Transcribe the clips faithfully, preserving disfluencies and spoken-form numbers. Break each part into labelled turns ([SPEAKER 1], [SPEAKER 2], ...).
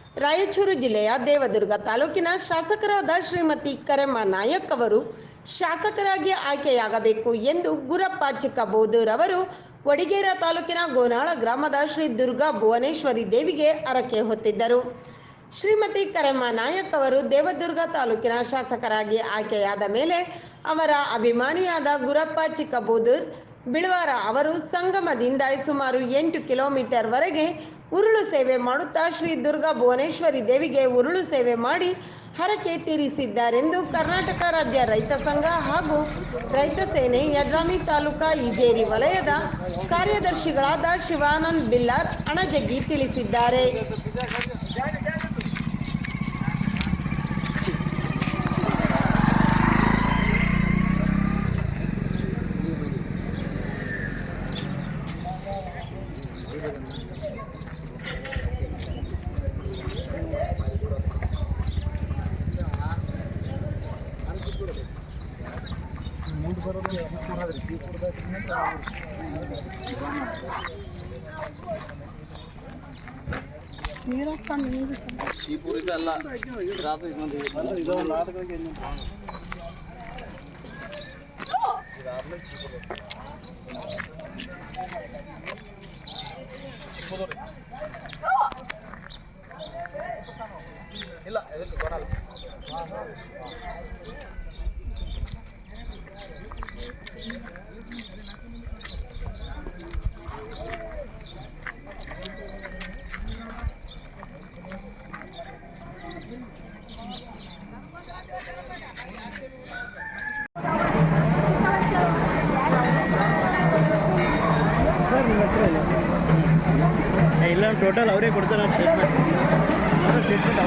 [SPEAKER 1] ರಾಯಚೂರು ಜಿಲ್ಲೆಯ ದೇವದುರ್ಗ ತಾಲೂಕಿನ ಶಾಸಕರಾದ ಶ್ರೀಮತಿ ಕರೆಮ್ಮ ನಾಯಕ್ ಅವರು ಶಾಸಕರಾಗಿ ಆಯ್ಕೆಯಾಗಬೇಕು ಎಂದು ಗುರಪ್ಪ ಚಿಕ್ಕಬೋದೂರ್ ಅವರು ವಡಿಗೇರ ತಾಲೂಕಿನ ಗೋನಾಳ ಗ್ರಾಮದ ಶ್ರೀ ದುರ್ಗಾ ಭುವನೇಶ್ವರಿ ದೇವಿಗೆ ಹರಕೆ ಹೊತ್ತಿದ್ದರು. ಶ್ರೀಮತಿ ಕರೆಮ್ಮ ನಾಯಕ್ ಅವರು ದೇವದುರ್ಗ ತಾಲೂಕಿನ ಶಾಸಕರಾಗಿ ಆಯ್ಕೆಯಾದ ಮೇಲೆ ಅವರ ಅಭಿಮಾನಿಯಾದ ಗುರಪ್ಪ ಚಿಕ್ಕಬೋದೂರ್ ಬಿಳವಾರ ಅವರು ಸಂಗಮದಿಂದ ಸುಮಾರು ಎಂಟು ಕಿಲೋಮೀಟರ್ ವರೆಗೆ ಉರುಳು ಸೇವೆ ಮಾಡುತ್ತಾ ಶ್ರೀ ದುರ್ಗಾ ಭುವನೇಶ್ವರಿ ದೇವಿಗೆ ಉರುಳು ಸೇವೆ ಮಾಡಿ ಹರಕೆ ತೀರಿಸಿದ್ದಾರೆಂದು ಕರ್ನಾಟಕ ರಾಜ್ಯ ರೈತ ಸಂಘ ಹಾಗೂ ರೈತ ಸೇನೆ ಯಡ್ರಾಮಿ ತಾಲೂಕಾ ಇಜೇರಿ ವಲಯದ ಕಾರ್ಯದರ್ಶಿಗಳಾದ ಶಿವಾನಂದ್ ಬಿಲ್ಲಾರ್ ಅಣಜಗಿ ತಿಳಿಸಿದ್ದಾರೆ.
[SPEAKER 2] ಇಲ್ಲ ಎದಕ್ಕೆ ಕೊಡಲ್ಲ.
[SPEAKER 3] ಸರ್ ನಿಮ್ಮ ಹೆಸರು ಇಲ್ಲ ಟೋಟಲ್ ಅವರೇ ಕೊಡ್ತಾರೆ ಸ್ಟೇಟ್ಮೆಂಟ್ ಸ್ಟೇಟ್ಮೆಂಟ್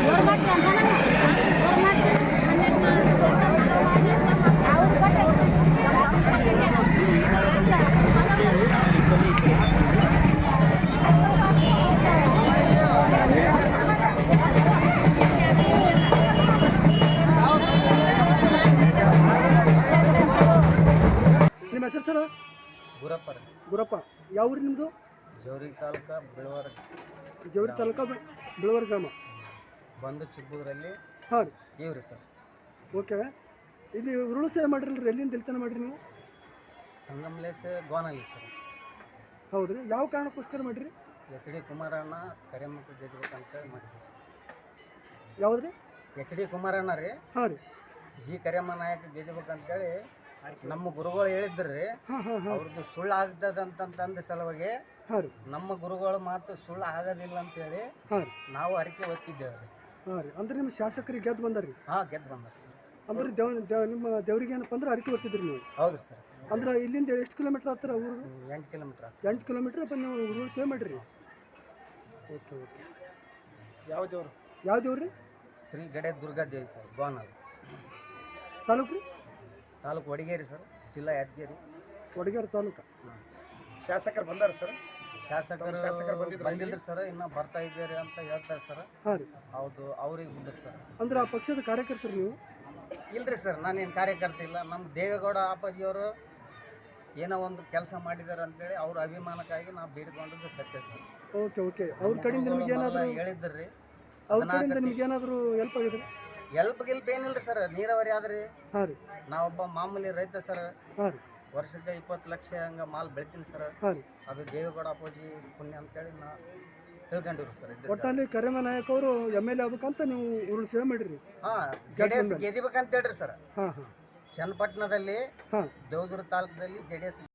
[SPEAKER 3] ನಿಮ್ಮ ಹೆಸರು ಸರ್?
[SPEAKER 2] ಗುರಪ್ಪ
[SPEAKER 3] ಗುರಪ್ಪ. ಯಾವ ಊರು ನಿಮ್ಮದು?
[SPEAKER 2] ಜವರಿ ತಾಲೂಕು ಬಿಳವಾರ.
[SPEAKER 3] ಜವರಿ ತಾಲೂಕು ಬಿಳವಾರ ಗ್ರಾಮ
[SPEAKER 2] ಬಂದು ಚಿಕ್ಕಬೂರಲ್ಲಿ.
[SPEAKER 3] ಹಾಂ ರೀ
[SPEAKER 2] ಇವ್ರಿ ಸರ್.
[SPEAKER 3] ಓಕೆ. ಇಲ್ಲಿ ಉರುಳು ಸೇವೆ ಮಾಡಿರಲ್ರಿ, ಎಲ್ಲಿಂದ ಎಲ್ತನ ಮಾಡಿರಿ ನೀವು?
[SPEAKER 2] ಸಂಗಮ್ಲೇಸ್ ಗೋನಲ್ಲಿ ಸರ್.
[SPEAKER 3] ಹೌದು ರೀ. ಯಾವ ಕಾರಣಕ್ಕೋಸ್ಕರ ಮಾಡಿರಿ?
[SPEAKER 2] ಎಚ್ ಡಿ ಕುಮಾರಣ್ಣ ಕರೆಮಕ್ಕ ಗೆಜ್ಬೇಕು ಅಂತೇಳಿ ಮಾಡಿದ್ವಿ ಸರ್.
[SPEAKER 3] ಯಾವ್ದು ರೀ?
[SPEAKER 2] ಎಚ್ ಡಿ ಕುಮಾರಣ್ಣ ರೀ.
[SPEAKER 3] ಹಾಂ ರೀ.
[SPEAKER 2] ಜಿ ಕರೆಮ್ಮ ನಾಯಕ ಗೆಜ್ಬೇಕಂತೇಳಿ ನಮ್ಮ ಗುರುಗಳು ಹೇಳಿದ್ರಿ. ಅವ್ರದ್ದು ಸುಳ್ಳು ಆಗ್ತದಂತಂದ ಸಲುವಾಗಿ ನಮ್ಮ ಗುರುಗಳು ಮಾತು ಸುಳ್ಳು ಆಗೋದಿಲ್ಲ ಅಂತೇಳಿ ನಾವು ಅರಿಕೆ ಒತ್ತಿದ್ದೇವೆ ರೀ.
[SPEAKER 3] ಹಾಂ ರೀ. ಅಂದ್ರೆ ನಿಮ್ಮ ಶಾಸಕರಿಗೆ ಗೆದ್ದು ಬಂದಾರ್ರಿ?
[SPEAKER 2] ಹಾಂ ಗೆದ್ದು ಬಂದಾರ ಸರ್.
[SPEAKER 3] ಅಂದ್ರೆ ದೇವ್ ದೇವ್ ನಿಮ್ಮ ದೇವ್ರಿಗೆ ಏನಪ್ಪ ಅಂದ್ರೆ ಅರಿಕೆ ಒತ್ತಿದ್ರಿ ನೀವು?
[SPEAKER 2] ಹೌದು ಸರ್.
[SPEAKER 3] ಅಂದ್ರೆ ಇಲ್ಲಿಂದ ಎಷ್ಟು ಕಿಲೋಮೀಟ್ರ್ ಆಗ್ತಾರ ಊರು?
[SPEAKER 2] ಎಂಟು ಕಿಲೋಮೀಟ್ರ್.
[SPEAKER 3] ಎಂಟು ಕಿಲೋಮೀಟ್ರ್ ಅಪ್ಪ ನೀವು ಊರು ಸೇವ್ ಮಾಡಿರಿ. Okay okay.
[SPEAKER 2] ಯಾವ ದೇವ್ರು?
[SPEAKER 3] ಯಾವ ದೇವ್ರು ರೀ?
[SPEAKER 2] ಶ್ರೀ ಗಡೆ ದುರ್ಗಾದೇವಿ ಸರ್, ಗೋನಾಲ್
[SPEAKER 3] ತಾಲೂಕು ರೀ?
[SPEAKER 2] ತಾಲೂಕು ವಡಿಗೇರಿ ಸರ್, ಜಿಲ್ಲಾ ಯಾದಗಿರಿ.
[SPEAKER 3] ವಡಿಗೇರಿ ತಾಲೂಕು.
[SPEAKER 2] ಶಾಸಕರು ಬಂದಾರ ಸರ್? ಶಾಸಕರು ಶಾಸಕರು ಬಂದಿಲ್ಲ ಸರ್, ಇನ್ನೂ ಬರ್ತಾ ಇದ್ದೀರಿ ಅಂತ ಹೇಳ್ತಾರೆ ಸರ್.
[SPEAKER 3] ಹಾಂ ರೀ.
[SPEAKER 2] ಹೌದು, ಅವ್ರಿಗೆ ಬಂದಿರಿ ಸರ್.
[SPEAKER 3] ಅಂದ್ರೆ ಆ ಪಕ್ಷದ ಕಾರ್ಯಕರ್ತರು ನೀವು?
[SPEAKER 2] ಇಲ್ರಿ ಸರ್, ನಾನೇನು ಕಾರ್ಯಕರ್ತ ಇಲ್ಲ. ನಮ್ಮ ದೇವೇಗೌಡ ಅಪ್ಪಾಜಿಯವರು ಏನೋ ಒಂದು ಕೆಲಸ ಮಾಡಿದ್ದಾರೆ ಅಂತೇಳಿ ಅವ್ರ ಅಭಿಮಾನಕ್ಕಾಗಿ ನಾವು ಬೇಡಿಕೊಂಡಿದ್ದು ಸತ್ಯ ಸರ್.
[SPEAKER 3] Okay okay. ಅವ್ರ ಕಡೆಯಿಂದ ನಿಮ್ಗೆ ಏನಾದರೂ
[SPEAKER 2] ಹೇಳಿದ್ರಿ?
[SPEAKER 3] ಅವ್ರ ಕಡೆಯಿಂದ ನಿಮ್ಗೆ ಏನಾದರೂ ಹೆಲ್ಪ್ ಆಗಿದೆ?
[SPEAKER 2] ಎಲ್ಪ್ ಗಿಲ್ಪ್ ಏನಿಲ್ಲ ಸರ್, ನೀರಾವರಿ ಆದ್ರಿ.
[SPEAKER 3] ಹಾಂ ರೀ.
[SPEAKER 2] ನಾವೊಬ್ಬ ಮಾಮೂಲಿ ರೈತ ಸರ್.
[SPEAKER 3] ಹಾಂ ರೀ.
[SPEAKER 2] ವರ್ಷಕ್ಕೆ ಇಪ್ಪತ್ತು ಲಕ್ಷ ಹಂಗೆ ಮಾಲ್ ಬೆಳಿತೀನಿ ಸರ್.
[SPEAKER 3] ಹಾಂ ರೀ.
[SPEAKER 2] ಅದು ದೇವೇಗೌಡ ಅಪ್ಪಾಜಿ ಪುಣ್ಯ ಅಂತೇಳಿ ನಾ ತಿಳ್ಕೊಂಡಿವ್ರಿ ಸರ್.
[SPEAKER 3] ಒಟ್ಟಲ್ಲಿ ಕರೆಮ್ಮ ನಾಯಕ್ ಅವರು ಎಮ್ ಎಲ್ ಎ ಆಗ್ಬೇಕಂತ ನೀವು ಉರುಳು ಸೇವೆ ಮಾಡಿರಿ?
[SPEAKER 2] ಹಾಂ, ಜೆ ಡಿ ಎಸ್ ಗೆದಿಬೇಕಂತ ಹೇಳ್ರಿ ಸರ್.
[SPEAKER 3] ಹಾಂ ಹಾಂ.
[SPEAKER 2] ಚನ್ನಪಟ್ಟಣದಲ್ಲಿ,
[SPEAKER 3] ಹಾಂ,
[SPEAKER 2] ದೇವದುರ್ಗ ತಾಲೂಕದಲ್ಲಿ ಜೆ ಡಿ ಎಸ್